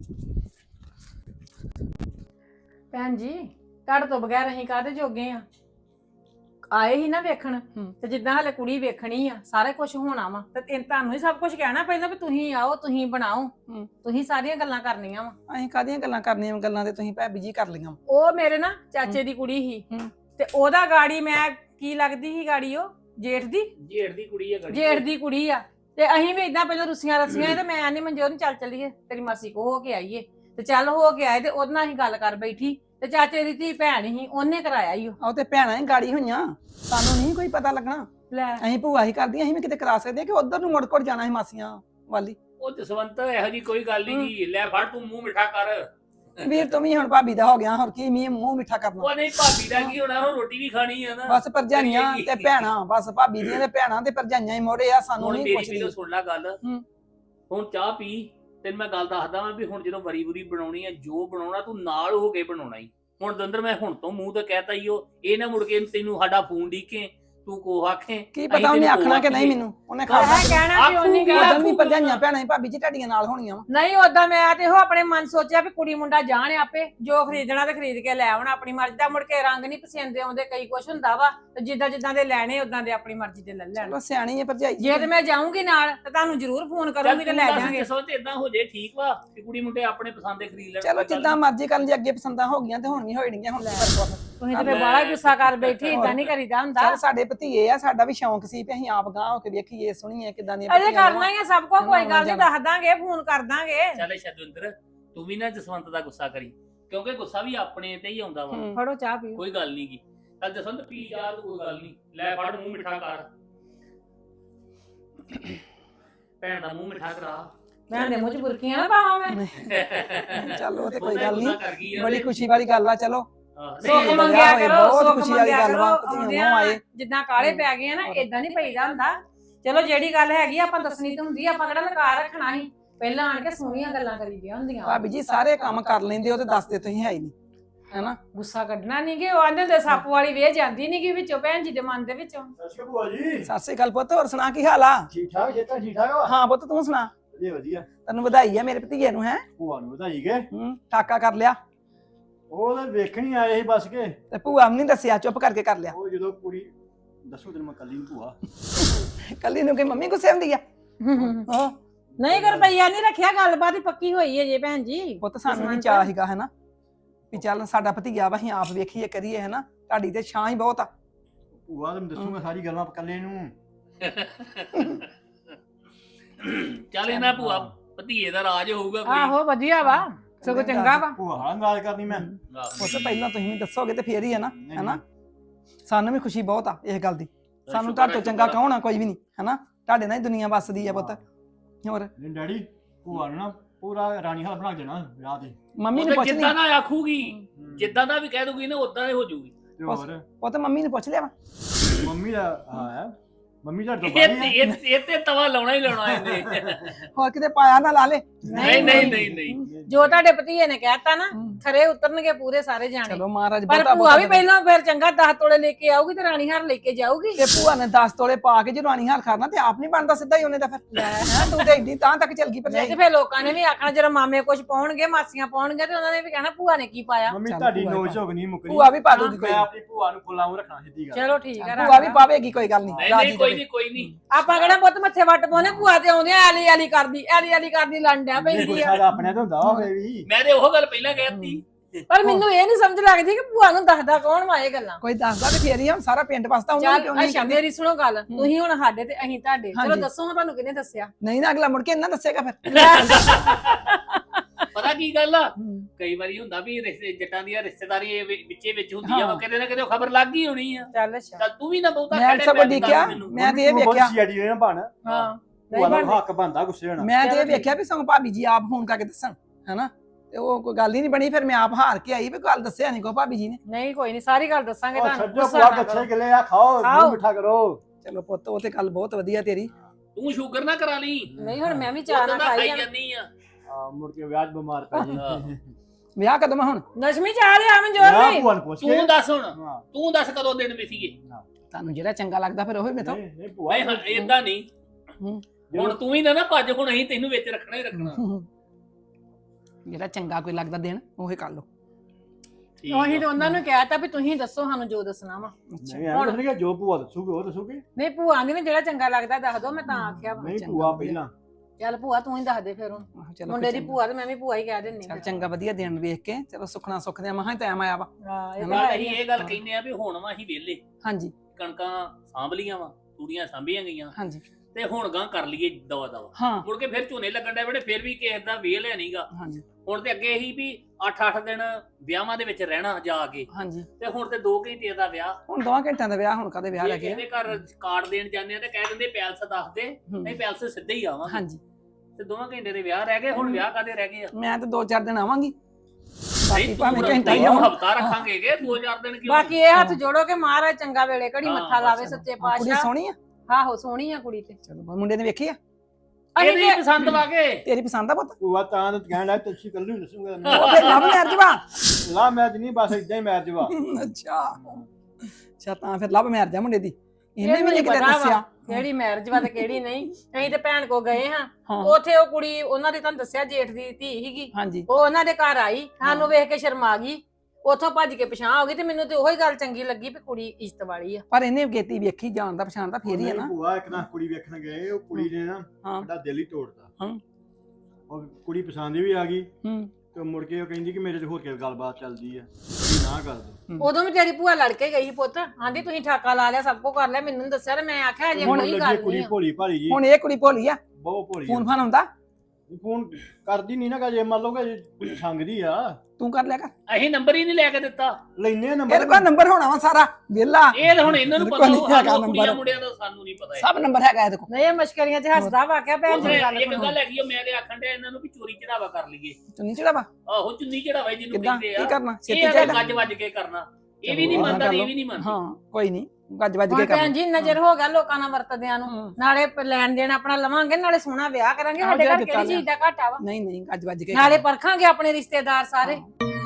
ਭੈਣ ਜੀ ਤੁਹਾਡੇ ਤੋਂ ਬਗੈਰ ਅਸੀਂ ਕਾਹਦੇ ਜੋਗੇ ਆ? ਆਏ ਹੀ ਨਾ ਵੇਖਣ, ਤੇ ਜਿੱਦਾਂ ਹਲੇ ਕੁੜੀ ਵੇਖਣੀ ਆ, ਸਾਰਾ ਕੁਝ ਹੋਣਾ ਵਾ, ਤੇ ਇਹ ਤੁਹਾਨੂੰ ਹੀ ਸਭ ਕੁਝ ਕਹਿਣਾ ਪਹਿਲਾਂ ਵੀ ਤੁਸੀਂ ਆਓ, ਤੁਸੀਂ ਬਣਾਓ, ਤੁਸੀਂ ਸਾਰੀਆਂ ਗੱਲਾਂ ਕਰਨੀਆਂ ਵਾ। ਅਸੀਂ ਕਾਹਦੀਆਂ ਗੱਲਾਂ ਕਰਨੀਆਂ? ਗੱਲਾਂ ਤੇ ਤੁਸੀਂ ਭਾਬੀ ਜੀ ਕਰ ਲਈਆਂ। ਉਹ ਮੇਰੇ ਨਾ ਚਾਚੇ ਦੀ ਕੁੜੀ ਸੀ, ਤੇ ਉਹਦਾ ਗਾੜੀ ਮੈਂ ਕੀ ਲੱਗਦੀ ਸੀ ਗਾੜੀ, ਉਹ ਜੇਠ ਦੀ ਜੇਠ ਦੀ ਕੁੜੀ ਹੈ, ਜੇਠ ਦੀ ਕੁੜੀ ਆ। ਤੇ ਅਸੀਂ ਵੀ ਇਦਾਂ ਪਹਿਲਾਂ ਰੁੱਸੀਆਂ ਰਸੀਆਂ ਤੇ ਮੈਂ ਆਨੀ ਮਨਜੋਤ ਨੂੰ ਚੱਲ ਚੱਲੀਏ ਤੇਰੀ ਮਾਸੀ ਕੋ ਹੋ ਕੇ ਆਈਏ, ਤੇ ਚੱਲ ਹੋ ਕੇ ਆਏ, ਤੇ ਉਹਦੇ ਨਾਲ ਹੀ ਗੱਲ ਕਰ ਬੈਠੀ, ਤੇ ਚਾਚੇ ਦੀ ਧੀ ਭੈਣ ਹੀ ਉਹਨੇ ਕਰਾਇਆ ਹੀ। ਉਹ ਤੇ ਭੈਣਾਂ ਹੀ ਗਾੜੀ ਹੋਈਆਂ, ਸਾਨੂੰ ਨਹੀਂ ਕੋਈ ਪਤਾ ਲੱਗਣਾ। ਲੈ ਅਸੀਂ ਭੂਆ ਹੀ ਕਰਦੀਆਂ, ਅਸੀਂ ਵੀ ਕਿਤੇ ਕਰਾ ਸਕਦੇ ਕਿ ਉਧਰ ਨੂੰ ਮੁੜ ਕੋੜ ਜਾਣਾ ਸੀ ਮਾਸੀਆਂ ਵਾਲੀ। ਉਹ ਜਸਵੰਤ ਇਹੋ ਜੀ ਕੋਈ ਗੱਲ ਨਹੀਂ ਜੀ, ਲੈ ਫੜ ਤੂੰ ਮੂੰਹ ਮਿੱਠਾ ਕਰ। ਵੀਰ ਤੂੰ ਵੀ ਹੁਣ ਭਾਬੀ ਦਾ ਹੋ ਗਿਆ, ਹੋਰ ਕੀ ਮੀਂਹ ਮੂੰਹ ਮਿੱਠਾ ਕਰਨਾ। ਉਹ ਨਹੀਂ ਭਾਬੀ ਦਾ ਕੀ ਹੋਣਾ, ਹੁਣ ਰੋਟੀ ਵੀ ਖਾਣੀ ਆ ਨਾ। ਬਸ ਭਰਜਾਈਆਂ ਤੇ ਭੈਣਾਂ, ਬਸ ਭਾਬੀ ਦੀਆਂ ਤੇ ਭੈਣਾਂ ਤੇ ਭਰਜਾਈਆਂ ਹੀ ਮੋੜੇ ਆ, ਸਾਨੂੰ ਹੁਣ ਨਹੀਂ ਮੇਰੀ ਪੁੱਛਦੀ। ਵੀਡੀਓ ਸੁਣ ਲੈ ਗੱਲ, ਹੂੰ। ਹੁਣ ਚਾਹ ਪੀ, ਤੈਨੂੰ ਮੈਂ ਗੱਲ ਦੱਸਦਾ ਵਾਂ ਵੀ ਹੁਣ ਜਦੋਂ ਵਰੀ ਵਰੀ ਬਣਾਉਣੀ ਆ, ਜੋ ਬਣਾਉਣਾ ਤੂੰ ਨਾਲ ਹੋ ਕੇ ਬਣਾਉਣਾ ਹੀ। ਹੁਣ ਦੰਦਰ ਮੈਂ ਹੁਣ ਤੋਂ ਮੂੰਹ ਤੇ ਕਹਿਤਾ ਹੀ, ਉਹ ਇਹ ਨਾ ਮੁੜ ਕੇ ਤੈਨੂੰ ਸਾਡਾ ਫੋਨ ਡੀਕੇ ਤੂੰ ਕੋ ਆਖੇ ਕੀ ਪਤਾ ਉਹਨੇ ਆਖਣਾ ਕਿ ਨਹੀਂ, ਮੈਨੂੰ ਉਹਨੇ ਖਾਣਾ ਮੈਂ ਕਹਿਣਾ ਕਿ ਉਹਨੇ ਕਿਹਾ ਉਦੋਂ ਵੀ ਭਰਜਾਈਆਂ ਭੈਣਾਂ ਹੀ ਭਾਬੀ ਜੀ ਤੁਹਾਡੀਆਂ ਨਾਲ ਹੋਣੀਆਂ ਵਾ। ਨਹੀਂ, ਓਦਾਂ ਮੈਂ ਤੇ ਉਹ ਆਪਣੇ ਮਨ ਸੋਚਿਆ ਵੀ ਕੁੜੀ ਮੁੰਡਾ ਜਾਣ ਆਪੇ, ਜੋ ਖਰੀਦਣਾ ਤੇ ਖਰੀਦ ਕੇ ਲੈ ਆਉਣਾ ਆਪਣੀ ਮਰਜ਼ੀ ਦਾ, ਮੁੜ ਕੇ ਰੰਗ ਨਹੀਂ ਪਸੰਦ ਆਉਂਦੇ, ਕਈ ਕੁਛ ਹੁੰਦਾ ਵਾ, ਤੇ ਜਿੱਦਾਂ ਜਿੱਦਾਂ ਦੇ ਲੈਣੇ ਉਦਾਂ ਦੇ ਆਪਣੀ ਮਰਜ਼ੀ ਦੇ ਲੈ ਲੈਣ। ਚਲੋ ਸਿਆਣੀ ਹੈ ਭਰਜਾਈ ਜੀ। ਜੇ ਤੇ ਮੈਂ ਜਾਊਂਗੀ ਨਾਲ ਤੇ ਤੁਹਾਨੂੰ ਜ਼ਰੂਰ ਫੋਨ ਕਰੂੰਗੀ ਤੇ ਲੈ ਜਾਾਂਗੇ। ਸੋ ਤੇ ਇਦਾਂ ਹੋ ਜੇ ਠੀਕ ਵਾ ਕਿ ਕੁੜੀ ਮੁੰਡੇ ਆਪਣੇ ਪਸੰਦ ਦੇ ਖਰੀਦ ਲੈਣ। ਚਲੋ ਜਿੱਦਾਂ ਮਰਜ਼ੀ ਕਰਨ, ਜੇ ਅੱਗੇ ਪਸੰਦਾਂ ਹੋ ਗਈਆਂ ਤੇ ਹੁਣ ਵੀ ਹੋਣਗੀਆਂ, ਹੁਣ ਕੀ ਫਰਕ ਵਾ। ਤੁਸੀਂ ਤੇ ਫਿਰ ਬਾਹਲਾ ਗੁੱਸਾ ਕਰ ਬੈਠੀ, ਇਦਾਂ ਨਹੀਂ ਕਰੀਦਾ ਹੁੰਦਾ। ਚੱਲ ਸਾਡੇ ਭਤੀਏ ਆ, ਸਾਡਾ ਵੀ ਸ਼ੌਂਕ ਸੀ ਵੀ ਅਸੀਂ ਆਪ ਗਾਂ ਹੋ ਕੇ ਵੇਖੀਏ, ਸੁਣੀਏ ਕਿਦਾਂ ਦੀਆਂ ਅਜੇ ਕਰਨਾ ਹੀ ਆ ਸਭ ਕੁਝ, ਕੋਈ ਗੱਲ ਨਹੀਂ, ਦੱਸ ਦਾਂਗੇ, ਫੋਨ ਕਰ ਦਾਂਗੇ। ਚੱਲ ਸ਼ਦਵਿੰਦਰ ਤੂੰ ਵੀ ਨਾ ਜਸਵੰਤ ਦਾ ਗੁੱਸਾ ਕਰੀ, ਕਿਉਂਕਿ ਗੁੱਸਾ ਵੀ ਆਪਣੇ ਤੇ ਹੀ ਆਉਂਦਾ ਵਾ। ਫੜੋ ਚਾਹ ਪੀਓ। ਕੋਈ ਗੱਲ ਨਹੀਂ ਗੀ, ਚੱਲ ਜਸਵੰਤ ਪੀ ਜਾ, ਕੋਈ ਗੱਲ ਨਹੀਂ, ਲੈ ਫੜ ਮੂੰਹ ਮਿੱਠਾ ਕਰ, ਭੈਣ ਦਾ ਮੂੰਹ ਮਿੱਠਾ ਕਰਾ। ਮੈਂ ਦੇ ਮੂੰਹ ਚ ਬੁਰਕੀਆਂ ਨਾ ਪਾਵਾਂ ਮੈਂ। ਚਲੋ ਤੇ ਕੋਈ ਗੱਲ ਗੁੱਸਾ ਨਹੀਂ, ਕਰ ਗਈ ਆ ਬੜੀ ਤੇ- ਖੁਸ਼ੀ ਵਾਲੀ ਗੱਲ ਆ। ਚਲੋ ਆਹ, ਸੁੱਖ ਨਹੀਂ, ਮੰਗਿਆ ਹੋਏ, ਕਰੋ, ਬਹੁਤ ਸੁੱਖ ਖੁਸ਼ੀ ਵਾਲੀ ਮੰਗਿਆ ਗੱਲ ਵਾ, ਕਰੋ, ਤੁਸੀਂ ਆਉਂਦਿਆਂ ਆਏ। ਜਿੱਦਾਂ ਕਾਲੇ ਪੈ ਗਏ ਆ ਨਾ, ਇਦਾਂ ਨਹੀਂ ਪਈਦਾ ਹੁੰਦਾ। ਚਲੋ ਜਿਹੜੀ ਗੱਲ ਹੈਗੀ ਆ, ਆਪਾਂ ਦੱਸਣੀ ਤਾਂ ਹੁੰਦੀ ਆ, ਆਪਾਂ ਕਿਹੜਾ ਲਕਾ ਰੱਖਣਾ ਸੀ। ਪਹਿਲਾਂ ਆਣ ਕੇ ਸੋਹਣੀਆਂ ਗੱਲਾਂ ਕਰੀ ਦੀਆਂ ਹੁੰਦੀਆਂ। ਭਾਬੀ ਜੀ ਸਾਰੇ ਕੰਮ ਕਰ ਲੈਂਦੇ ਹੋ ਤੇ ਦੱਸਦੇ ਤੁਸੀਂ ਹੈ ਹੀ ਨਹੀਂ, ਹੈਨਾ। ਗੁੱਸਾ ਕੱਢਣਾ ਨਹੀਂ ਗੇ, ਉਹ ਆਂਦੇ ਹੁੰਦੇ ਸੱਪ ਵਾਲੀ ਵੇਹ ਜਾਂਦੀ ਨਹੀਂ ਗੀ ਵਿੱਚੋਂ ਭੈਣ ਜੀ ਦੇ ਮਨ ਦੇ ਵਿੱਚੋਂ। ਅੱਛਾ ਭੂਆ ਜੀ ਸਤਿ ਸ਼੍ਰੀ ਅਕਾਲ ਪੁੱਤ, ਹੋਰ ਸੁਣਾ ਕੀ ਹਾਲ ਆ? ਠੀਕ ਠਾਕ ਜੇਤਾ ਠੀਕ ਠਾਕ ਵਾ ਹਾਂ ਪੁੱਤ ਤੂੰ ਸੁਣਾ। ਵਧੀਆ ਵਧੀਆ। ਤੈਨੂੰ ਵਧਾਈ ਆ ਮੇਰੇ ਭਤੀਜੇ ਨੂੰ, ਹੈ ਭੂਆ ਨੂੰ ਵਧਾਈ ਗਏ। ਹੂੰ ਠਾਕਾ ਕਰ ਲਿਆ ਉਹ ਤਾਂ ਵੇਖਣ ਹੀ ਆਏ ਸੀ ਬਸ ਕੇ। ਤੇ ਭੂਆ ਨੂੰ ਨਹੀਂ ਦੱਸਿਆ, ਚੁੱਪ ਕਰਕੇ ਕਰ ਲਿਆ। ਉਹ ਜਦੋਂ ਕੁੜੀ ਦੱਸੂ ਤੈਨੂੰ ਮੈਂ ਕੱਲੀ ਨੂੰ ਭੂਆ ਕੱਲੀ ਨੂੰ ਕਿ ਮੰਮੀ ਗੁੱਸੇ ਹੁੰਦੀ ਆ? ਹਾਂ ਨਹੀਂ ਕਰ ਰੁਪਈਆ ਨਹੀਂ ਰੱਖਿਆ, ਗੱਲਬਾਤ ਹੀ ਪੱਕੀ ਹੋਈ ਹੈ ਜੇ ਭੈਣ ਜੀ। ਪੁੱਤ ਸਾਨੂੰ ਵੀ ਚਾਹ ਸੀਗਾ, ਹੈਨਾ, ਵੀ ਚੱਲ ਸਾਡਾ ਭਤੀਜਾ ਵਾ, ਅਸੀਂ ਆਪ ਵੇਖੀਏ ਕਰੀਏ, ਹੈਨਾ। ਤੁਹਾਡੀ ਤੇ ਛਾਂ ਹੀ ਬਹੁਤ ਆ। ਭੂਆ ਤੈਨੂੰ ਦੱਸੂਗਾ ਸਾਰੀ ਗੱਲਾਂ ਕੱਲੇ ਨੂੰ। ਚੱਲ ਇਹਨਾਂ ਭੂਆ ਭਤੀਏ ਦਾ ਰਾਜ ਹੋਊਗਾ ਕੋਈ। ਆਹੋ ਵਧੀਆ ਵਾ, ਸਗੋਂ ਚੰਗਾ ਵਾ। ਭੂਆ ਹਾਲਾਂ ਗੱਲ ਕਰਨੀ ਮੈਂ। ਪੁੱਤ ਪਹਿਲਾਂ ਤੁਸੀਂ ਵੀ ਦੱਸੋਗੇ ਤੇ ਫੇਰ ਹੀ ਹੈ ਨਾ, ਨਹੀਂ, ਹੈਨਾ। ਸਾਨੂੰ ਵੀ ਖੁਸ਼ੀ ਬਹੁਤ ਆ ਇਸ ਗੱਲ ਦੀ। ਸਾਨੂੰ ਸ਼ੁਕਰ ਤੁਹਾਡੇ ਹੈ, ਤੋਂ ਚੰਗਾ ਸ਼ੁਕਰ ਹੈ। ਕੌਣ ਆ? ਕੋਈ ਵੀ ਨਹੀਂ, ਹੈਨਾ। ਤੁਹਾਡੇ ਨਾਲ ਹੀ ਦੁਨੀਆ ਵੱਸਦੀ ਆ ਪੁੱਤ। ਹੋਰ ਨਹੀਂ ਡੈਡੀ ਭੂਆ ਨੂੰ ਨਾ ਪੂਰਾ ਰਾਣੀ ਹਾਲ ਬਣਾ ਕੇ ਦੇਣਾ ਵਿਆਹ ਤੇ। ਮੰਮੀ ਉਹ ਨੂੰ ਤਾਂ ਪੁੱਛ ਜਿੱਦਾਂ ਲਿਆ ਦਾ ਆਖੂਗੀ, ਜਿੱਦਾਂ ਦਾ ਵੀ ਕਹਿ ਦੂਗੀ ਨਾ ਉਦਾਂ ਹੀ ਹੋ ਜਾਊਗੀ। ਤੇ ਹੋਰ ਪੁੱਤ ਮੰਮੀ ਨੂੰ ਪੁੱਛ ਲਿਆ ਵਾ। ਮੰਮੀ ਦਾ ਹਾਂ ਹੈ ਮੰਮੀ ਦਾ ਤੋਂ ਇਹ ਬਾਹਰ ਤੇ- ਇਹ ਤੇ- ਇਹ ਤੇ ਤਵਾ ਲਾਉਣਾ ਹੀ ਲਾਉਣਾ ਇਹਨੇ। ਹੋਰ ਕਿਤੇ ਪਾਇਆ ਨਾ ਲਾ ਲੇ। ਨਹੀਂ ਨਹੀਂ ਨਹੀਂ ਨਹੀਂ ਜੋ ਤੁਹਾਡੇ ਭਤੀਏ ਨੇ ਕਹਿਤਾ ਨਾ, ਖਰੇ ਉਤਰਨਗੇ ਪੂਰੇ ਸਾਰੇ ਜਾਣੇ। ਚਲੋ ਮਹਾਰਾਜ ਪਰ ਬਹੁਤਾ ਭੂਆ ਵੀ ਬਹੁਤਾ ਪਹਿਲਾਂ ਫਿਰ ਚੰਗਾ ਦਸ ਤੋਲੇ ਲੈ ਕੇ ਆਊਗੀ ਤੇ ਰਾਣੀ ਹਾਰ ਲੈ ਕੇ ਜਾਊਗੀ। ਤੇ ਭੂਆ ਨੇ ਦਸ ਤੋਲੇ ਪਾ ਕੇ ਜੇ ਰਾਣੀ ਹਾਰ ਕਰਨਾ ਤੇ ਆਪ ਨਹੀਂ ਬਣਦਾ ਸਿੱਧਾ ਹੀ ਉਹਨੇ ਦਾ ਫਿਰ। ਹੈਂ, ਤੂੰ ਤੇ ਏਡੀ ਤਾਂ ਤੱਕ ਚੱਲ ਗਈ ਪਰ ਨਹੀਂ ਤੇ ਫਿਰ ਲੋਕਾਂ ਨੇ ਵੀ ਆਖਣਾ ਜਦੋਂ ਮਾਮੇ ਕੁਝ ਪਾਉਣਗੇ, ਮਾਸੀਆਂ ਪਾਉਣਗੇ, ਤੇ ਉਹਨਾਂ ਨੇ ਵੀ ਕਹਿਣਾ ਭੂਆ ਨੇ ਕੀ ਪਾਇਆ। ਮੰਮੀ ਚੱਲ ਤੁਹਾਡੀ ਭੂਆ ਨੋਚ ਪਾ- ਝੋਕ ਨਹੀਂ ਮੁੱਕਣੀ। ਭੂਆ ਵੀ ਪਾ ਦੂਗੀ ਕੋਈ ਮੈਂ ਆਪਣੀ ਭੂਆ ਨੂੰ ਫੁੱਲਾਂ ਨੂੰ ਰੱਖਣਾ ਸਿੱਧੀ ਗੱਲ। ਚਲੋ ਠੀਕ ਆ, ਭੂਆ ਵੀ ਰੱਖ ਲਾ। ਪਾਵੇਗੀ ਕੋਈ ਗੱਲ ਨਹੀਂ। ਨਹੀਂ ਰਾਜੀ ਨਹੀਂ ਕੋਈ ਰਵੇ। ਨਹੀਂ ਕੋਈ ਨਹੀਂ। ਆਪਾਂ ਕਿਹੜਾ ਪੁੱਤ ਮੱਥੇ ਵੱਟ ਪਾਉਣੇ, ਭੂਆ ਤੇ ਆਉਂਦੇ ਐਲੀ ਐਲੀ ਕਰਦੀ ਐਲੀ ਐਲੀ ਕਰਦੀ ਲੰਡਿਆ ਨਹੀਂ ਪੈਂਦੀ ਗੁੱਸਾ ਆ। ਤਾਂ ਆਪਣੇ ਤੋਂ ਹੁੰਦਾ ਹੋਵੇ ਵੀ। ਮੈਂ ਤੇ ਉਹ ਗੱਲ ਪਹਿਲਾਂ ਕਹਿਤੀ। ਪਰ ਮੈਨੂੰ ਇਹ ਨਹੀਂ ਸਮਝ ਲੱਗਦੀ ਕਿ ਭੂਆ ਨੂੰ ਦੱਸਦਾ ਕੌਣ ਵਾ ਇਹ ਗੱਲਾਂ। ਕੋਈ ਦੱਸਦਾ ਤੇ ਫੇਰ ਹੀ ਆ, ਹੁਣ ਸਾਰਾ ਪਿੰਡ ਵਸਦਾ ਉਹਨਾਂ ਨੂੰ ਕਿਉਂ ਚੱਲ ਨਹੀਂ ਅੱਛਾ ਕਹਿੰਦੇ। ਮੇਰੀ ਸੁਣੋ ਗੱਲ, ਤੁਸੀਂ ਹੁਣ ਸਾਡੇ ਤੇ ਅਸੀਂ ਤੁਹਾਡੇ। ਚਲੋ ਹਾਂਜੀ। ਦੱਸੋ ਹਾਂ ਤੁਹਾਨੂੰ ਕਿਹਨੇ ਦੱਸਿਆ। ਨਹੀਂ ਨਾ ਅਗਲਾ ਮੁੜ ਕੇ ਇਹਨਾਂ ਦੱਸੇਗਾ ਫਿਰ। ਪਤਾ ਕੀ ਗੱਲ ਆ, ਕਈ ਵਾਰੀ ਹੁੰਦਾ ਵੀ ਰਿਸ਼ਤੇ ਜੱਟਾਂ ਦੀਆਂ ਰਿਸ਼ਤੇਦਾਰੀ ਇਹ ਵਿ- ਵਿੱਚੇ ਵਿੱਚ ਹੁੰਦੀ ਆ, ਹਾਂ। ਵਾ ਕਿਤੇ ਨਾ ਕਿਤੇ ਖਬਰ ਲੱਗ ਗਈ ਹੋਣੀ ਆ। ਚੱਲ ਅੱਛਾ ਚੱਲ ਤੂੰ ਵੀ ਨਾ ਬਹੁਤਾ ਮੈਂ ਖੜੇ ਸਗੋਂ ਪੈਰ ਦੇਖਿਆ, ਦੱਸ ਮੈਨੂੰ। ਮੈਂ ਤੇ ਇਹ ਵੇਖਿਆ ਸੀਆਈਡੀ ਨੇ ਨਾ ਬਣ ਹਾਂ ਭੂਆ ਨਹੀਂ ਦਾ ਬਣਦੀ। ਹੱਕ ਬਣਦਾ ਗੁੱਸੇ ਹੋਣਾ। ਮੈਂ ਤੇ ਚਲੋ ਇਹ ਵੇਖਿਆ ਵੀ ਸਗੋਂ ਭਾਬੀ ਜੀ ਆਪ ਫੋਨ ਕਰਕੇ ਦੱਸਣ, ਹੈਨਾ। ਤੇ ਉਹ ਕੋਈ ਗੱਲ ਹੀ ਨਹੀਂ ਬਣੀ, ਫਿਰ ਮੈਂ ਆਪ ਹਾਰ ਕੇ ਆਈ ਵੀ ਗੱਲ ਦੱਸਿਆ ਨਹੀਂ ਕੋ ਭਾਬੀ ਜੀ ਨੇ। ਨਹੀਂ ਕੋਈ ਨਹੀਂ, ਸਾਰੀ ਗੱਲ ਦੱਸਾਂਗੇ ਉਹ ਤੁਹਾਨੂੰ। ਛੱਡੋ ਗੁੱਸਾ ਭੂਆ ਨਾ ਕੱਚੇ ਕਰੋ। ਗਿੱਲੇ ਆ, ਖਾਓ ਖਾਓ। ਮੂੰਹ ਮਿੱਠਾ ਕਰੋ। ਚਲੋ ਪੁੱਤ ਉਹ ਤੇ ਗੱਲ ਬਹੁਤ ਵਧੀਆ ਤੇਰੀ। ਤੂੰ ਸ਼ੂਗਰ ਨਾ ਕਰਾ ਲਈ। ਨਹੀਂ ਹੁਣ ਮੈਂ ਵੀ ਚਾਹ ਉਦੋਂ ਨਾ ਦਾ ਖਾਈ ਖਾਈ ਜਾਣਾ। ਜਾਂਦੀ ਆ। ਆ ਮੁੜ ਕੇ ਵਿਆਹ 'ਚ ਬਿਮਾਰ ਪੈ ਜੀ। ਆਹ। ਵਿਆਹ ਕਦੋਂ ਮੈਂ ਹੁਣ? ਨਸ਼ਮੀ ਚਾਹ ਲਿਆ ਮੈਂ ਜੋਰ ਵਿਆਹ ਨਹੀਂ। ਭੂਆ ਨੂੰ ਪੁੱਛ ਕੇ। ਤੂੰ ਦੱਸ ਹੁਣ, ਹਾਂ। ਤੂੰ ਦੱਸ ਕਦੋਂ ਦਿਨ ਵਿਸੀਏ। ਤੁਹਾਨੂੰ ਜਿਹੜਾ ਚੰਗਾ ਲੱਗਦਾ ਫਿਰ ਉਹੀ ਮੇਥੋਂ। ਨਹੀਂ ਨਹੀਂ ਭੂਆ ਨਹੀਂ ਇਦਾਂ ਨਹੀਂ, ਹੂੰ। ਹੁਣ ਤੂੰ ਹੀ ਨਾ ਨਾ ਭੱਜ, ਹੁਣ ਅਸੀਂ ਤੈਨੂੰ ਵਿੱਚ ਰੱਖਣਾ ਹੀ ਰੱਖਣਾ। ਜਿਹੜਾ ਚੰਗਾ ਕੋਈ ਲੱਗਦਾ ਦੇਣ ਉਹੀ ਕਰ ਲਓ। ਠੀਕ ਉਹੀ ਆ। ਤੇ ਉਹਨਾਂ ਨੂੰ ਕਹਿਤਾ ਵੀ ਤੁਸੀਂ ਦੱਸੋ ਸਾਨੂੰ ਜੋ ਦੱਸਣਾ ਵਾ। ਨਹੀਂ ਐਵੇਂ ਦੱਸਣਗੇ ਜੋ ਭੂਆ ਦੱਸੂਗੀ ਉਹ ਦੱਸੂਗੀ। ਨਹੀਂ ਭੂਆ ਨੇ ਵੀ ਜਿਹੜਾ ਚੰਗਾ ਲੱਗਦਾ ਦੱਸ ਦੋ, ਮੈਂ ਤਾਂ ਆਖਿਆ ਵਾ। ਨਹੀਂ ਚੰਗਾ ਭੂਆ ਵਧੀਆ। ਪਹਿਲਾਂ। ਚੱਲ ਭੂਆ ਤੂੰ ਹੀ ਦੱਸ ਦੇ ਫਿਰ ਹੁਣ। ਆਹੋ, ਚਲੋ ਮੁੰਡੇ ਦੀ ਚੰਗਾ। ਭੂਆ ਤੇ ਮੈਂ ਵੀ ਭੂਆ ਹੀ ਕਹਿ ਦਿੰਨੀ ਚੱਲ ਚੰਗਾ ਵਧੀਆ ਦਿਨ ਵੇਖ ਕੇ ਚਲੋ ਸੁਖਣਾ ਸੁੱਖ ਦੇ ਮਹਾਂ ਟਾਈਮ ਆਇਆ ਵਾ। ਹਾਂ ਇਹ ਤਾਂ ਨਾਲ ਹੈ ਅਸੀਂ ਹੀ ਆ। ਇਹ ਗੱਲ ਕਹਿੰਦੇ ਆ ਵੀ ਹੁਣ ਵਾ ਅਸੀਂ ਵਿਹਲੇ, ਹਾਂਜੀ ਕਣਕਾਂ ਸਾਂਭ ਲੀਆਂ ਵਾ, ਤੂੜੀਆਂ ਸਾਂਭੀਆਂ ਗਈਆਂ, ਹਾਂਜੀ ਤੇ ਹੁਣ ਗਾਂ ਕਰ ਲਈਏ ਦਵਾ ਦਵਾ। ਹਾਂ ਮੁੜ ਕੇ ਫਿਰ ਝੋਨੇ ਲੱਗਣ ਦੇ ਬੜੇ, ਫਿਰ ਵੀ ਕਿਸੇ ਦਾ ਵੇਲ ਹੈ ਨਹੀਂਗਾ। ਹਾਂਜੀ ਹੁਣ ਤੇ ਅੱਗੇ ਹੀ ਵੀ ਅੱਠ ਅੱਠ ਦਿਨ ਵਿਆਹਾਂ ਦੇ ਵਿੱਚ ਰਹਿਣਾ ਜਾ ਕੇ, ਹਾਂਜੀ ਤੇ ਹੁਣ ਤੇ ਦੋ ਘੰਟੇ ਦਾ ਵਿਆਹ। ਹੁਣ ਦੋ ਘੰਟਿਆਂ ਦਾ ਵਿਆਹ, ਹੁਣ ਕਦੇ ਵਿਆਹ ਜੇ ਲੱਗੇ ਕਿਸੇ ਦੇ ਘਰ ਕਾਰਡ ਦੇਣ ਜਾਂਦੇ ਆ ਤੇ ਕਹਿ ਦਿੰਦੇ ਪੈਲਸ ਦੱਸ ਦੇ, ਨਹੀਂ ਪੈਲਸ ਸਿੱਧੇ ਹੀ ਆਵਾਂਗੇ। ਹਾਂਜੀ ਤੇ ਦੋਵਾਂ ਘੰਟੇ ਦੇ ਵਿਆਹ ਰਹਿ ਗਏ, ਹੁਣ ਵਿਆਹ ਕਾਦੇ ਰਹਿ ਗਏ ਆ? ਮੈਂ ਤਾਂ ਦੋ ਚਾਰ ਦਿਨ ਆਵਾਂਗੀ, ਬਾਕੀ ਨਹੀਂ ਭਾਵੇਂ ਤੂੰ ਘੰਟਾ ਹੀ ਹੁਣ ਆਵਾਂ। ਹਫਤਾ ਰੱਖਾਂਗੇ ਕਿ ਦੋ ਚਾਰ ਦਿਨ ਕਿਉਂ? ਬਾਕੀ ਇਹ ਹੱਥ ਜੋੜੋ ਕਿ ਮਹਾਰਾਜ ਚੰਗਾ ਵੇਲੇ ਘੜੀ ਹਾਂ, ਮੱਥਾ ਲਾਵੇ ਬਸ। ਸੱਚੇ ਕੁੜੀ ਪਾਤਸ਼ਾਹ। ਸੋਹਣੀ ਆ। ਆਹੋ ਸੋਹਣੀ ਆ ਕੁੜੀ ਤੇ। ਚਲੋ ਮੁੰਡੇ ਨੇ ਵੇਖੀ ਆ? ਅਸੀਂ ਇਹਦੀ ਤੇ ਪਸੰਦ ਵਾ ਕੇ ਤੇਰੀ ਪਸੰਦ ਆ ਪੁੱਤ? ਭੂਆ ਤਾਂ ਤਾਂ ਕਹਿਣ ਲੱਗ ਤੁਸੀਂ ਕੱਲ ਨੂੰ ਦੱਸੂਗਾ। ਉਹ ਫਿਰ ਲਵ ਮੈਰਿਜ ਵਾ। ਲਾ ਮੈਚ ਨਹੀਂ ਬਸ ਇਦਾਂ ਹੀ ਮੈਚ ਵਾ। ਅੱਛਾ ਅੱਛਾ ਤਾਂ ਫਿਰ ਲਵ ਮੈਰਿਜ ਆ ਮੁੰਡੇ ਦੀ। ਇਹਨੇ ਇਹਨੂੰ ਵੀ ਨਹੀਂ ਨੀ ਕਿਤੇ ਪਤਾ ਵਾ। ਦੱਸਿਆ। ਕਿਹੜੀ ਮੈਰਿਜ ਵਾ ਤੇ ਕਿਹੜੀ ਨਹੀਂ। ਅਸੀਂ ਤੇ ਭੈਣ ਕੋ ਗਏ ਹਾਂ, ਹਾਂ ਉਥੇ ਉਹ ਕੁੜੀ ਉਹਨਾਂ ਦੇ ਤੁਹਾਨੂੰ ਦੱਸਿਆ ਜੇਠ ਦੀ ਧੀ ਸੀਗੀ, ਹਾਂਜੀ ਉਹ ਉਹਨਾਂ ਦੇ ਘਰ ਆਈ, ਸਾਨੂੰ ਵੇਖ ਕੇ ਸ਼ਰਮਾ ਗਈ, ਉਥੋਂ ਭੱਜ ਕੇ ਪਛਾਣ ਹੋ ਗਈ। ਤੇ ਮੈਨੂੰ ਤੇ ਉਹੀ ਗੱਲ ਚੰਗੀ ਲੱਗੀ ਵੀ ਕੁੜੀ ਇੱਜ਼ਤ ਵਾਲੀ ਆ। ਪਰ ਇਹਨੇ ਗੇਤੀ ਵੇਖੀ ਜਾਣਦਾ ਪਛਾਣਦਾ ਫੇਰ ਹੀ ਆ ਨਾ। ਭੂਆ ਇੱਕ ਨਾ ਕੁੜੀ ਵੇਖਣ ਗਏ, ਉਹ ਕੁੜੀ ਨੇ ਨਾ ਹਾਂ ਸਾਡਾ ਦਿਲ ਹੀ ਤੋੜਤਾ। ਹਾਂ। ਉਹ ਕੁੜੀ ਪਸੰਦ ਵੀ ਆ ਗਈ ਹੂੰ ਤੇ ਮੁੜ ਕੇ ਉਹ ਕਹਿੰਦੀ ਕਿ ਮੇਰੇ ਤੇ ਹੋਰ ਕੀ ਗੱਲਬਾਤ ਚੱਲਦੀ ਆ, ਵੀ ਨਾ ਕਰ ਦੋ। ਉਦੋਂ ਵੀ ਤੇਰੀ ਭੂਆ ਲੜ ਕੇ ਗਈ ਸੀ ਪੁੱਤ, ਆਂਦੀ ਤੁਸੀਂ ਠਾਕਾ ਲਾ ਲਿਆ, ਸਭ ਕੁਝ ਕਰ ਲਿਆ, ਮੈਨੂੰ ਨੀ ਦੱਸਿਆ। ਤੇ ਮੈਂ ਆਖਿਆ ਅਜੇ ਹੁਣ ਕੋਈ ਲੱਗੀ ਗੱਲ ਕੁੜੀ ਨਹੀਂ। ਭੋਲੀ ਭਾਲੀ ਜੀ, ਹੁਣ ਇਹ ਕੁੜੀ ਭੋਲੀ ਆ, ਬਹੁਤ ਭੋਲੀ ਫੋਨ ਆ। ਫਾਨ ਆਉਂਦਾ? ਫੋਨ ਕਰਦੀ ਨਹੀਂ ਨਾ, ਜੇ ਮੰਨ ਲਓ ਕਿ ਕੁੜੀ ਸੰਗਦੀ ਆ ਤੂੰ ਕਰ ਲਿਆ ਕਰ। ਅਸੀਂ ਨੰਬਰ ਹੀ ਨਹੀਂ ਲੈ ਕੇ ਦਿੱਤਾ। ਲੈਨੇ ਇਹਦੇ ਨੰਬਰ। ਕੋਲ ਨੰਬਰ ਹੋਣਾ ਵਾ ਸਾਰਾ ਵਿਹਲਾ। ਇਹ ਤਾਂ ਹੁਣ ਇਹਨਾਂ ਨੂੰ ਇਹਦੇ ਪਤਾ ਕੋਲ ਹੋਊ, ਨਹੀਂ ਹੈਗਾ ਸਾਨੂੰ ਕੁੜੀਆਂ ਨੰਬਰ। ਮੁੰਡਿਆਂ ਦਾ ਸਾਨੂੰ ਨਹੀਂ ਪਤਾ। ਸਭ ਨੰਬਰ ਹੈਗਾ ਇਹਦੇ ਕੋਲ। ਨਹੀਂ ਇਹ ਮਸ਼ਕਰੀਆਂ 'ਚ ਹੱਸਦਾ ਵਾਕਿਆ ਭੈਣ ਜੀ ਉਹਨੇ ਗੱਲ ਇੱਕ ਸੁਣੋ। ਗੱਲ ਹੈਗੀ, ਉਹ ਮੈਂ ਤੇ ਆਖਣ ਡਿਆ ਇਹਨਾਂ ਨੂੰ ਵੀ ਚੋਰੀ ਚੜਾਵਾ ਕਰ ਲਈਏ। ਚੁੰਨੀ ਚੜਾਵਾ ਆਹੋ ਚੁੰਨੀ ਚੜਾਵਾ ਜਿਹਨੂੰ ਕਿੱਦਾਂ ਕਹਿੰਦੇ ਕੀ ਆ, ਕਰਨਾ? ਇਹ ਛੇਤੀ ਇਹਦਾ ਚਾਹੀਦਾ। ਗੱਜ ਵੱਜ ਕੇ ਕਰਨਾ। ਇਹ ਵੀ ਨਹੀਂ ਚਲੋ, ਮੰਨਦਾ ਕਰ ਤੇ ਇਹ ਲਓ। ਵੀ ਨਹੀਂ ਮੰਨਦੀ ਹਾਂ ਕੋਈ ਨਹੀਂ ਗੱਜ ਵੱਜ ਹੁਣ ਕੇ ਕਰ ਭੈਣ ਜੀ ਨਜ਼ਰ ਹੋ ਗਿਆ ਲੋਕਾਂ ਨਾਲ ਵਰਤਦਿਆਂ ਨੂੰ ਹਾਂ। ਨਾਲੇ ਪ- ਲੈਣ ਦੇਣ ਆਪਣਾ ਲਵਾਂਗੇ ਨਾਲੇ ਸੋਹਣਾ ਵਿਆਹ ਕਰਾਂਗੇ ਆਹੋ, ਸਾਡੇ ਜਿਹੜਾ ਘਰ ਕਿਹੜੀ ਦਿੱਤਾ ਚੀਜ਼ ਦਾ ਘਾਟਾ ਵਾ ਨਹੀਂ ਨਹੀਂ ਗੱਜ ਵੱਜ ਕੇ ਨਾਲੇ ਕਰ। ਪਰਖਾਂਗੇ ਆਪਣੇ ਰਿਸ਼ਤੇਦਾਰ ਸਾਰੇ ਹਾਂ।